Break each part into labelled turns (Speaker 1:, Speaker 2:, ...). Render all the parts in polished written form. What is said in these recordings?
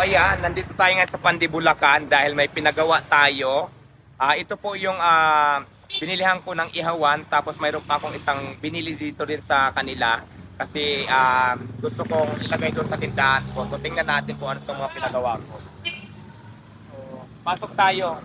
Speaker 1: ayan, nandito tayo ngayon sa Pandibulacan dahil may pinagawa tayo. Ito po yung binilihan ko ng ihawan, tapos mayroon pa akong isang binili dito din sa kanila. Kasi gusto kong ilagay doon sa tindahan ko. So tingnan natin kung ano itong mga pinagawa ko. So, pasok tayo.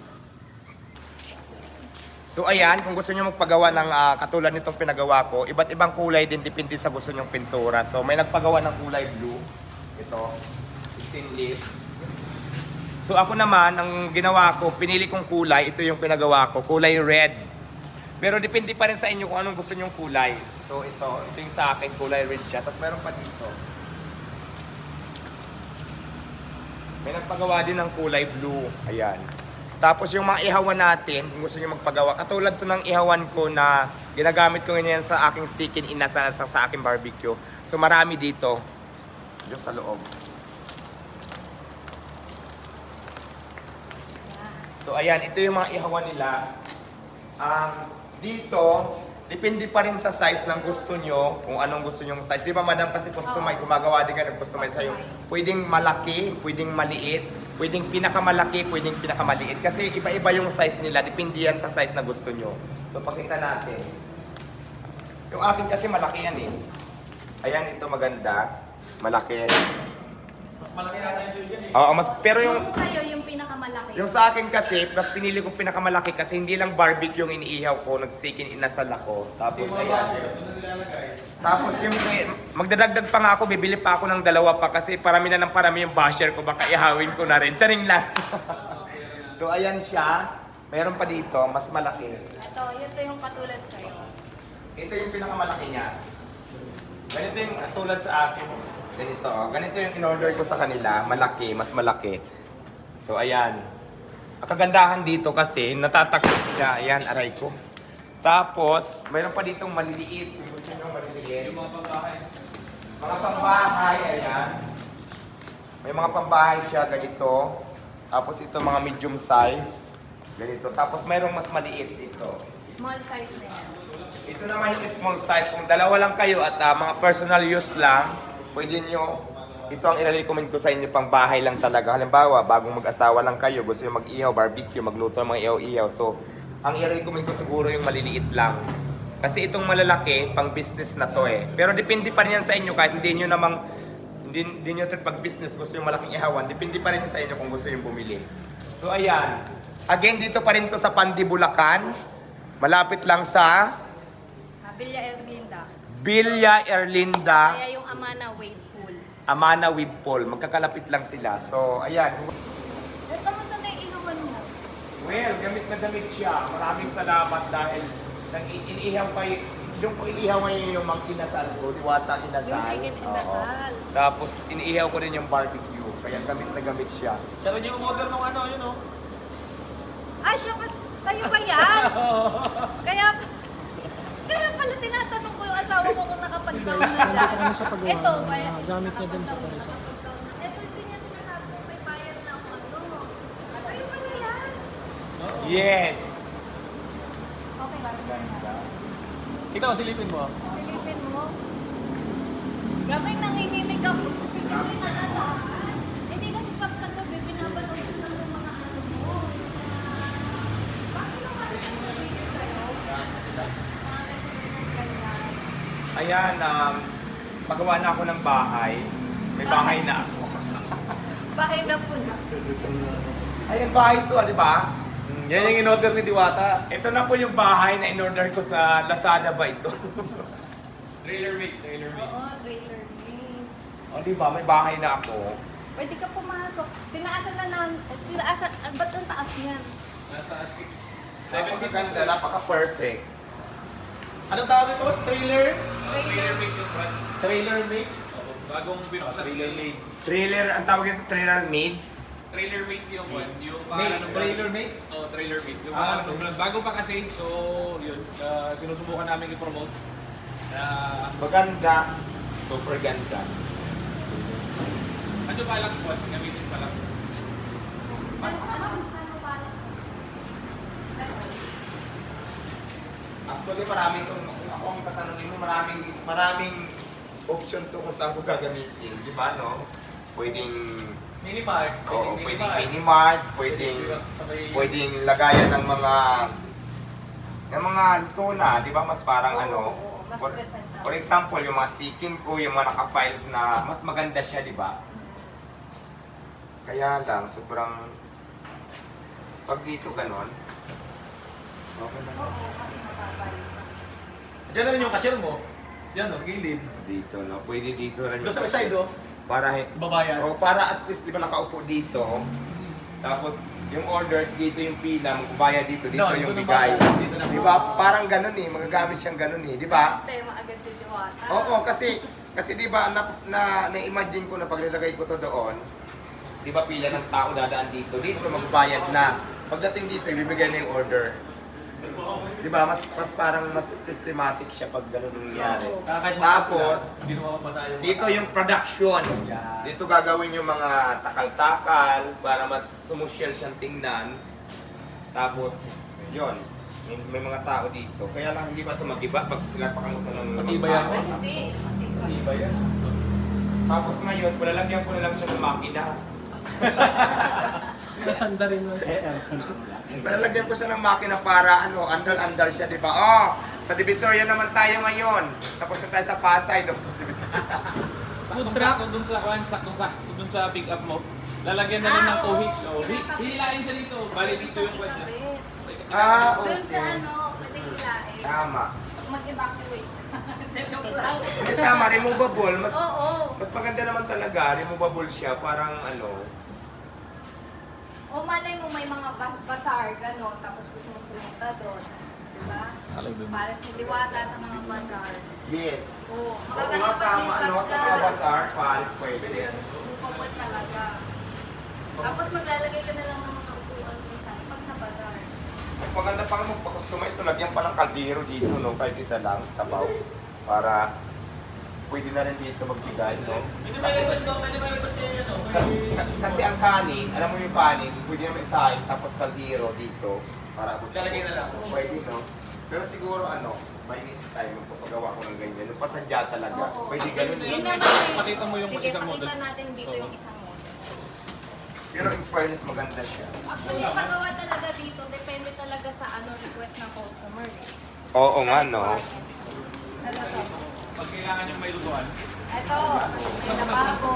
Speaker 1: So ayan, kung gusto niyo magpagawa ng katulad nitong pinagawa ko, iba't ibang kulay din, depende sa gusto nyong pintura. So may nagpagawa ng kulay blue. Ito, stainless. So ako naman, ang ginawa ko, pinili kong kulay, ito yung pinagawa ko, kulay red. Pero depende pa rin sa inyo kung anong gusto nyong kulay. So ito yung sa akin, kulay red siya. Tapos meron pa dito. May nagpagawa din ng kulay blue. Ayan. Tapos yung mga ihawan natin, kung gusto nyo magpagawa, katulad to ng ihawan ko na ginagamit ko ngayon sa aking chicken inasal sa aking barbecue. So marami dito. Yung sa loob. So ayan, ito yung mga ihawan nila. Dito, depende pa rin sa size ng gusto nyo, kung anong gusto nyong size. Di ba madam, kasi customize, gumagawa din ka ng customize sa'yo. Pwedeng malaki, pwedeng maliit, pwedeng pinakamalaki, pwedeng pinakamaliit. Kasi iba-iba yung size nila, depende yan sa size na gusto nyo. So pakita natin. Yung akin kasi malaki yan eh. Ayan, ito maganda. Malaki.
Speaker 2: Mas malaki yata yung sa'yo dyan eh.
Speaker 1: Oo, pero yung
Speaker 3: sa'yo yung pinakamalaki.
Speaker 1: yung sa akin kasi, mas pinili kong pinakamalaki kasi hindi lang barbecue yung iniihaw ko, nagsikin inasal ako. Tapos
Speaker 2: Yung mga
Speaker 1: ayan.
Speaker 2: basher, ito na nilalagay.
Speaker 1: Tapos yung magdadagdag pa nga ako, bibili pa ako ng dalawa pa kasi parami na ng parami yung basher ko, baka ihawin ko na rin. Charing lang. So ayan siya. Meron pa dito, mas malaki.
Speaker 3: Ito yung katulad sa'yo.
Speaker 1: Ito yung pinakamalaki niya. Ganito yung tulad sa akin. Ganito, oh. Ganito yung in-order ko sa kanila. Malaki, mas malaki. So ayan. Ang kagandahan dito kasi, natatakot siya. Ayan, aray ko. Tapos, mayroon pa ditong maliliit. Kung gusto nyo maliliit.
Speaker 2: Yung mga pambahay.
Speaker 1: Mga pambahay, ayan. May mga pambahay siya, ganito. Tapos ito mga medium size. Ganito. Tapos mayroong mas maliit ito.
Speaker 3: Small size na yan.
Speaker 1: Ito naman yung small size. Kung dalawa lang kayo at mga personal use lang, pwede nyo, ito ang i-recommend ko sa inyo, pang bahay lang talaga. Halimbawa, bagong mag-asawa lang kayo, gusto nyo mag-ihaw, barbecue, magluto ng mga ihaw-ihaw. So, ang i-recommend ko siguro yung maliliit lang. Kasi itong malalaki, pang business na to eh. Pero depende pa rin yan sa inyo, kahit hindi nyo namang, hindi nyo trip pag-business, gusto yung malaking ihawan, depende pa rin sa inyo kung gusto yung bumili. So, ayan. Again, dito pa rin to sa Pandibulacan. Malapit lang sa
Speaker 3: Villa Erlinda.
Speaker 1: Villa Erlinda,
Speaker 3: Kaya yung Amana Wave Pool.
Speaker 1: Amana with Paul. Magkakalapit lang sila. So, ayan.
Speaker 3: Kamusta na yung inuman mo?
Speaker 1: Well, gamit na gamit siya. Maraming salamat dahil iniihaw kayo. Yung kung iniihaw ngayon yung mga kinasal ko, diwata kinasal.
Speaker 3: Yung chicken inasal.
Speaker 1: Oo. Tapos, iniihaw ko rin yung barbecue. Kaya gamit na gamit siya.
Speaker 2: Siya rin yung umorder ng ano, yun o.
Speaker 3: Siya pa, sa'yo ba yan? Kaya pala tinatanong ko yung asawa ko kung nakapag-down na dyan. Ito,
Speaker 4: gamit niya din sa Parisa.
Speaker 3: Ito, hindi niya sinasabi kung may bayad na ako ano. Sa'yo pala yan.
Speaker 1: Yes!
Speaker 3: Okay,
Speaker 2: Kita mo, silipin mo.
Speaker 3: silipin mo. Grabe, nanginginig ako. Hindi ko inakalakan. Hindi kasi pagkagabi, binabaloy ko lang yung mga ano mo. Bakit naman ito nabigay sa'yo? Mga recommended ganyan.
Speaker 1: Ayan, magawa na ako ng bahay. May bahay na ako.
Speaker 3: Bahay na po na.
Speaker 1: Ayan, bahay to, di ba?
Speaker 2: Yan yung in-order ni Diwata.
Speaker 1: Ito na po yung bahay na in-order ko sa Lazada ba ito?
Speaker 2: Trailer mate, trailer mate.
Speaker 3: Oo, trailer name.
Speaker 1: O, di ba? May bahay na ako.
Speaker 3: Pwede ka pumasok. Tinaasan na namin. Tinaasan. Ba't ang taas niyan?
Speaker 2: Nasa 6. 7 feet.
Speaker 1: Napakaganda, napaka-perfect.
Speaker 2: Anong tawag ito, boss? Trailer?
Speaker 3: Trailer.
Speaker 2: mate yung brand. Trailer mate? Bagong binuksan. Trailer mate.
Speaker 1: Trailer, ang tawag ito, trailer made.
Speaker 5: Trailer mate yung one, yung
Speaker 2: Mate,
Speaker 5: ng
Speaker 2: trailer mate?
Speaker 5: Oh, trailer mate. Yung
Speaker 2: Ah,
Speaker 5: pangalan ng brand. Bago pa kasi, so yun, sinusubukan namin i-promote.
Speaker 1: Maganda. Super ganda.
Speaker 5: Ano pa lang po, gamitin pa lang.
Speaker 1: Actually, marami itong, kung ako ang tatanungin mo, maraming option to kung saan ko gagamitin. Di ba, no? Pwedeng
Speaker 2: Minimart.
Speaker 1: Oo, pwedeng mini-mart, pwedeng lagayan ng mga tuna, di ba? Mas parang
Speaker 3: Oo, mas
Speaker 1: for
Speaker 3: presentable.
Speaker 1: example, yung mga sikin ko, yung mga naka-files na mas maganda siya, di ba? Kaya lang, sobrang pag dito ganon, okay na.
Speaker 3: Oo, kasi makakay.
Speaker 2: Diyan na rin yung cashier mo. Yan, sa gilid.
Speaker 1: Dito, no? Pwede dito rin.
Speaker 2: Doon sa may side, oh.
Speaker 1: Para,
Speaker 2: Babayan.
Speaker 1: para at least, di ba nakaupo dito, tapos yung orders dito yung pila, magbayad dito, dito
Speaker 2: No,
Speaker 1: yung
Speaker 2: dito
Speaker 1: bigay.
Speaker 2: naman, dito naman.
Speaker 1: Di ba? Parang ganun eh, magagamit siyang ganun eh, di ba?
Speaker 3: Sistema agad si Diwata.
Speaker 1: Oo, kasi di ba na-imagine ko na pag nilagay ko to doon, di ba pila ng tao dadaan dito, dito magbayad na. Pagdating dito, ibibigay na yung order. Di ba? Mas parang mas systematic siya pag ganun nangyari.
Speaker 3: Oo.
Speaker 2: Kahit
Speaker 1: Tapos,
Speaker 2: hindi mo mapapasa yung
Speaker 1: dito yung production.
Speaker 2: Yan.
Speaker 1: Dito gagawin yung mga takal-takal para mas sumusyal siyang tingnan. Tapos, yun. May mga tao dito. Kaya lang hindi ba ito mag-iba pag sila pakangutan ng
Speaker 2: Matibay yan.
Speaker 3: Ay, hindi. Matibay.
Speaker 2: Iba yan.
Speaker 1: Tapos ngayon, palalagyan ko na lang siya ng makina.
Speaker 4: Handa rin mo.
Speaker 1: Palalagyan ko siya ng makina para andal-andal siya, di ba? Oh, sa Divisoria naman tayo ngayon. Tapos na tayo sa Pasay, no? Tapos Divisoria.
Speaker 5: Saktong-sakto dun sa pick up mo. Lalagyan na lang ng
Speaker 3: oo.
Speaker 5: cohig. So, hihilain siya dito. Bali dito yung kwan niya.
Speaker 3: Doon sa pwede hilain.
Speaker 1: Tama.
Speaker 3: Mag-evacuate. Joke lang.
Speaker 1: Hindi tama, removable.
Speaker 3: Oo.
Speaker 1: Mas maganda naman talaga, removable siya, parang
Speaker 3: O malay mo may mga bazaar, gano'n, tapos gusto mo sumunta doon. Diba? Para si Diwata sa mga bazaar.
Speaker 1: yes.
Speaker 3: Oo.
Speaker 1: Oo nga, tama, sa mga bazaar, paalis pwede.
Speaker 3: Upapal talaga. Tapos maglalagay ka na lang ng mga upuan doon pag sa bazaar.
Speaker 1: Mas maganda pang magpa-customize ito, lagyan pa ng kaldero dito, no? Kahit isa lang, sabaw. Para pwede na rin dito magbigay, no?
Speaker 2: Pwede may labas ko, pwede may labas kayo yan, oh.
Speaker 1: Kasi ang kanin, alam mo yung kanin, pwede naman isahin, tapos kaldero dito. Para abot.
Speaker 2: Lalagay na lang.
Speaker 1: Pwede, no? Pero siguro, by next time, magpapagawa ko ng ganyan. Yung pasadya talaga.
Speaker 3: Oo.
Speaker 1: Pwede ganun
Speaker 3: Yun
Speaker 1: eh.
Speaker 3: naman eh.
Speaker 5: Pakita mo yung
Speaker 3: Sige,
Speaker 5: isang
Speaker 3: pakita
Speaker 5: model.
Speaker 3: natin dito yung isang model.
Speaker 1: Pero in fairness, maganda siya.
Speaker 3: Actually, yung pagawa talaga dito, depende talaga sa request ng customer. Eh.
Speaker 1: Oo nga, no?
Speaker 3: Ano to?
Speaker 5: Pag kailangan yung may luguan,
Speaker 3: Ito, may lababo.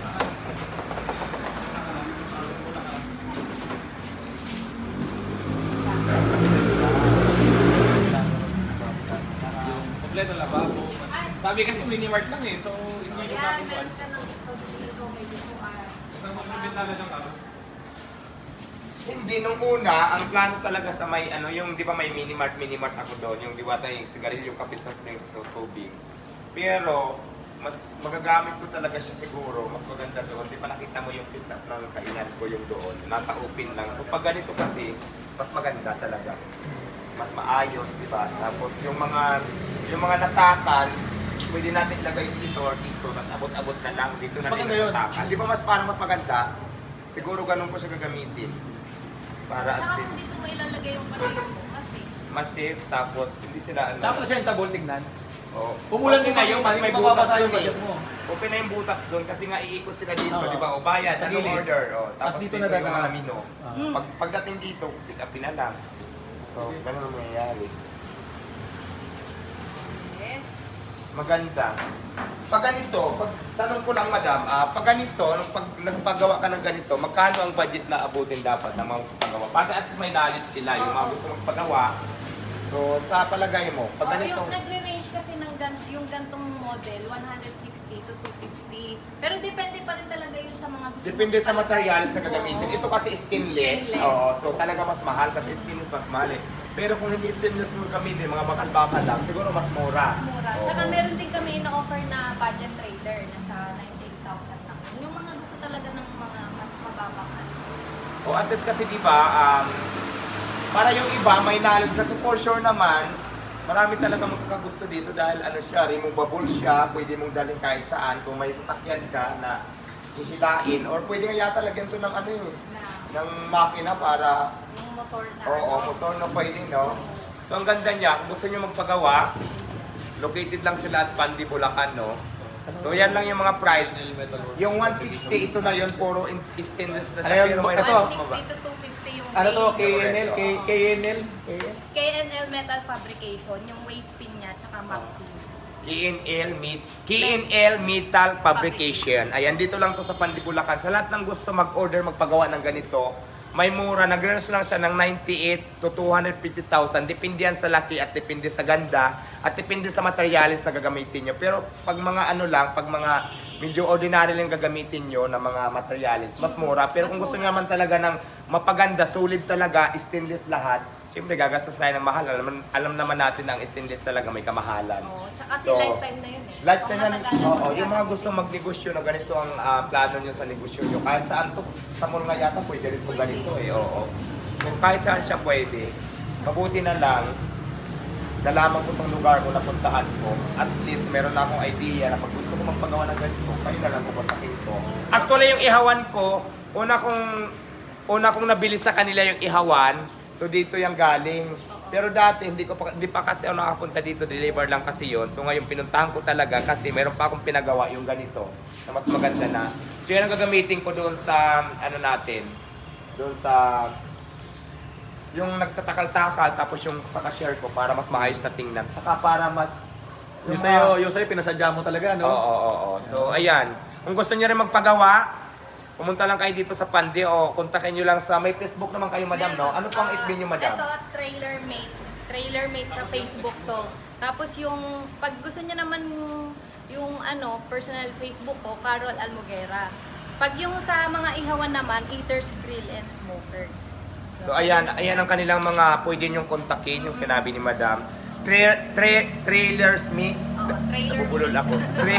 Speaker 5: kompleto lababo. Sabi kasi mini-mart lang eh. So, hindi ko
Speaker 3: Ayan,
Speaker 5: natin
Speaker 3: meron ka ng ito dito, may lutuan.
Speaker 5: Isang magbibit na lang kami.
Speaker 1: Hindi, nung una, ang plano talaga sa may, yung di ba may mini-mart ako doon, yung diwata yung sigarilyo, kape sa drinks, so tubig. Pero, mas magagamit ko talaga siya siguro, mas maganda doon. Di ba nakita mo yung setup ng kainan ko yung doon, nasa open lang. So pag ganito kasi, mas maganda talaga. Mas maayos, di ba? Tapos yung mga natakal, pwede natin ilagay dito or dito, mas abot-abot na lang, dito na
Speaker 2: Mas
Speaker 1: rin
Speaker 2: maganda yun.
Speaker 1: natakal. Di ba parang mas maganda? Siguro ganun ko siya gagamitin. Para
Speaker 3: At
Speaker 1: at
Speaker 3: saka kung
Speaker 1: least
Speaker 3: dito mo ilalagay yung pasilyo mo kasi.
Speaker 1: mas safe, tapos hindi sila
Speaker 2: Tsaka presentable tignan.
Speaker 1: Oh.
Speaker 2: Pumulan
Speaker 1: Okay
Speaker 2: din
Speaker 1: na
Speaker 2: yung
Speaker 1: mas may
Speaker 2: mababasa
Speaker 1: butas
Speaker 2: yung
Speaker 1: doon
Speaker 2: budget mo.
Speaker 1: Open na yung butas doon kasi nga iikot sila dito,
Speaker 2: Oo.
Speaker 1: di ba? O bayad,
Speaker 2: Sa
Speaker 1: anong
Speaker 2: gilid.
Speaker 1: order? O, tapos
Speaker 2: Tas dito
Speaker 1: dito,
Speaker 2: na
Speaker 1: yung mga
Speaker 2: dadaan.
Speaker 1: menu.
Speaker 2: Ah.
Speaker 1: Pagdating dito, pick upin na lang. So, ganun ang mangyayari.
Speaker 3: Yes.
Speaker 1: Maganda. Pag ganito, tanong ko lang madam, pag ganito, pag nagpagawa ka ng ganito, magkano ang budget na abutin dapat na magpagawa? Para at least may knowledge sila, yung mga
Speaker 3: Oo.
Speaker 1: gusto magpagawa. So, sa palagay mo, pag ganito,
Speaker 3: Yung nagre-range kasi ng yung gantong model, 160 to 250. Pero depende pa rin talaga yun sa mga gusto
Speaker 1: depende
Speaker 3: mong
Speaker 1: sa materials na
Speaker 3: palagay.
Speaker 1: gagamitin.
Speaker 3: Oo.
Speaker 1: Ito kasi stainless.
Speaker 3: Stainless.
Speaker 1: Oo, so talaga mas mahal kasi stainless mas mahal eh. Pero kung hindi stainless mo gamitin, mga bakal-bakal lang, siguro mas mura.
Speaker 3: Mura.
Speaker 1: Oo.
Speaker 3: Tsaka meron din kami ino-offer na budget trader na sa 98,000 lang. Yung mga gusto talaga ng mga mas mababang ano.
Speaker 1: O at least kasi di ba, para yung iba may knowledge na for sure naman, marami talaga magkakagusto dito dahil siya, removable siya, pwede mong dalhin kahit saan. Kung may sasakyan ka na hihilain, or pwede nga yata lagyan to ng
Speaker 3: Na
Speaker 1: ng makina para,
Speaker 3: yung motor na.
Speaker 1: oo, motor na pwede, no? So ang ganda niya, kung gusto nyo magpagawa, located lang sila at Pandi, Bulacan, no? So yan lang yung mga price. Yung 160, ito na yun, puro stainless na siya.
Speaker 5: Ayan,
Speaker 1: Pero may
Speaker 5: ito.
Speaker 1: mas mababa.
Speaker 3: 160 to 250 yung
Speaker 5: Ano to?
Speaker 3: weight.
Speaker 5: KNL? KNL?
Speaker 3: KNL Metal Fabrication, yung waist pin niya, tsaka mag
Speaker 1: KNL Metal Fabrication. Ayan, dito lang to sa Pandibulacan. Sa lahat ng gusto mag-order, magpagawa ng ganito, may mura. Nag-range lang siya ng 98 to 250,000. Depende yan sa laki at depende sa ganda at depende sa materialis na gagamitin nyo. Pero pag mga ano lang, pag mga medyo ordinary lang gagamitin nyo na mga materialis, mas mura. Pero kung gusto nyo naman talaga ng mapaganda, solid talaga, stainless lahat, siyempre gagastos tayo ng mahal. Alam naman natin na ang stainless talaga may kamahalan.
Speaker 3: Oo, tsaka kasi
Speaker 1: So,
Speaker 3: lifetime na yun eh.
Speaker 1: Lifetime
Speaker 3: Kung
Speaker 1: na,
Speaker 3: matagal na
Speaker 1: oo,
Speaker 3: magagamit.
Speaker 1: yung mga gusto magnegosyo na ganito ang plano nyo sa negosyo nyo. Kahit saan to, sa mall nga yata pwede rin po ganito eh, oo. So kahit saan siya pwede, mabuti na lang, nalaman ko itong lugar ko, napuntahan ko, at least meron na akong idea na pag gusto ko magpagawa ng ganito, kayo na lang pupuntahin ko. Actually yung ihawan ko, una kong nabili sa kanila yung ihawan, so dito yung galing. Pero dati hindi pa kasi ako nakapunta dito, deliver lang kasi yon. So ngayon pinuntahan ko talaga kasi meron pa akong pinagawa yung ganito na mas maganda na. So yan ang gagamitin ko doon sa ano natin, doon sa yung nagtatakal-takal tapos yung sa cashier ko para mas maayos na tingnan. Saka para mas
Speaker 5: Yung
Speaker 1: mga-
Speaker 5: sa'yo pinasadya mo talaga, no?
Speaker 1: Oo. So ayan, kung gusto niyo rin magpagawa, pumunta lang kayo dito sa Pandi o kontakin nyo lang sa, may Facebook naman kayo madam, no? Ano pang FB nyo madam?
Speaker 3: Ito, Trailer Mate. Trailer Mate sa Facebook to. Tapos yung, pag gusto niya naman yung ano, personal Facebook ko, Carol Almogera. Pag yung sa mga ihawan naman, Eaters Grill and Smoker.
Speaker 1: So ayan ang kanilang mga pwede nyong kontakin, yung sinabi ni madam. Trailers Meet.
Speaker 3: Trailer
Speaker 1: Nabubulol
Speaker 3: Mate.
Speaker 1: ako.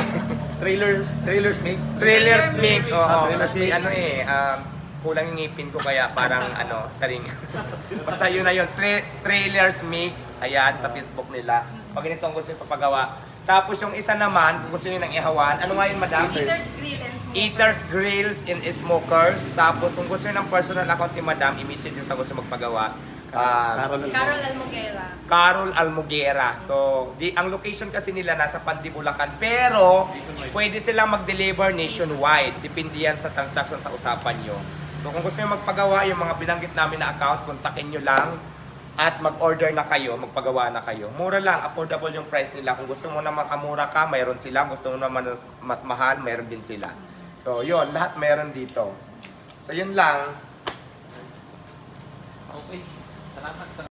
Speaker 5: Trailers make.
Speaker 1: Trailers Meet. Oo,
Speaker 5: Trailers
Speaker 1: kasi
Speaker 5: Meet.
Speaker 1: ano kulang yung ngipin ko kaya parang saring. Basta yun na yun. Trailers Mix. Ayan, sa Facebook nila. Pag ganito ang gusto yung papagawa. Tapos yung isa naman, kung gusto nyo ng ihawan, ano nga yun madam?
Speaker 3: Eaters Grill and Smoker.
Speaker 1: Eaters, Grills, and Smokers. Tapos kung gusto nyo ng personal account ni madam, i-message nyo sa gusto magpagawa.
Speaker 3: Carol Almogera.
Speaker 1: Carol Almogera. So, ang location kasi nila nasa Pandibulacan. Pero, pwede silang mag-deliver nationwide. Depende yan sa transaction sa usapan nyo. So, kung gusto nyo magpagawa, yung mga binanggit namin na accounts, kontakin nyo lang at mag-order na kayo, magpagawa na kayo. Mura lang, affordable yung price nila. Kung gusto mo naman kamura ka, mayroon sila. Kung gusto mo naman mas mahal, mayroon din sila. So, yun, lahat mayroon dito. So, yun lang.
Speaker 2: Okay. Salamat.